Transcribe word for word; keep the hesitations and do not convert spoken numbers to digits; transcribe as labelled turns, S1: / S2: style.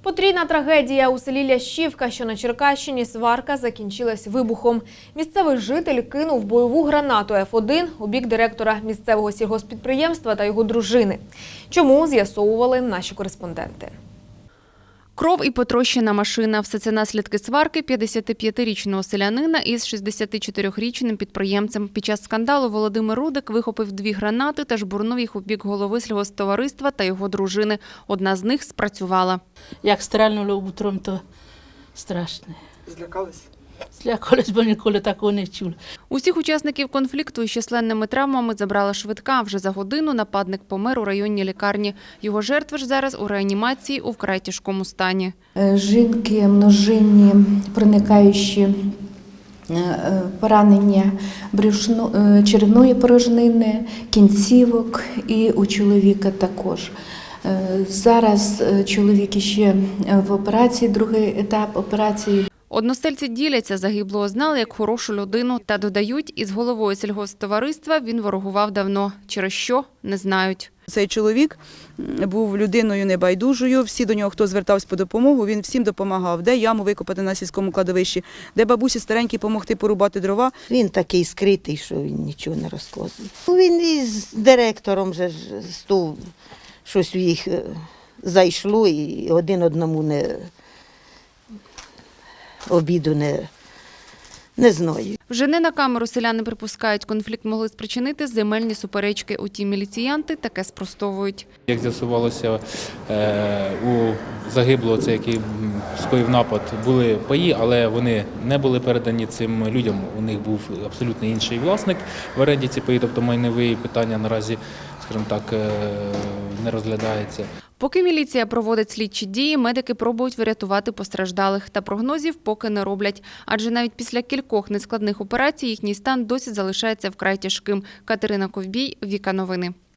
S1: Потрійна трагедія у селі Лящівка, що на Черкащині. Сварка закінчилась вибухом. Місцевий житель кинув бойову гранату еф один у бік директора місцевого сільгосппідприємства та його дружини. Чому, з'ясовували наші кореспонденти.
S2: Кров і потрощена машина – все це наслідки сварки п'ятдесятип'ятирічного селянина із шістдесятичотирирічним підприємцем. Під час скандалу Володимир Рудик вихопив дві гранати та жбурнув їх у бік голови сільгосптовариства та його дружини. Одна з них спрацювала.
S3: Як стрельнуло утром, то страшно.
S4: Злякались?
S3: Злякались, бо ніколи такого не чули.
S2: Усіх учасників конфлікту із численними травмами забрала швидка. Вже за годину нападник помер у районній лікарні. Його жертви ж зараз у реанімації у вкрай тяжкому стані.
S5: Жінки множинні, проникаючі поранення брюшно, черевної порожнини, кінцівок і у чоловіка також. Зараз чоловік ще в операції, другий етап операції.
S2: Односельці діляться, загиблого знали як хорошу людину та додають, із головою сільгосптовариства він ворогував давно. Через що – не знають.
S6: Цей чоловік був людиною небайдужою, всі до нього, хто звертався по допомогу, він всім допомагав. Де яму викопати на сільському кладовищі, де бабусі старенькі допомогти порубати дрова.
S7: Він такий скритий, що він нічого не розказує. Він із директором же стув, щось в їх зайшло і один одному не обіду не, не знаю.
S2: Вже не на камеру селяни припускають, конфлікт могли спричинити земельні суперечки. Утім, міліціянти таке спростовують.
S8: Як з'ясувалося, у загиблого, це який скоїв напад, були паї, але вони не були передані цим людям. У них був абсолютно інший власник в оренді ці паї, тобто майнові питання наразі, скажімо так, не розглядається.
S2: Поки міліція проводить слідчі дії, медики пробують врятувати постраждалих. Та прогнозів поки не роблять. Адже навіть після кількох нескладних операцій їхній стан досі залишається вкрай тяжким. Катерина Ковбій, Віка Новини.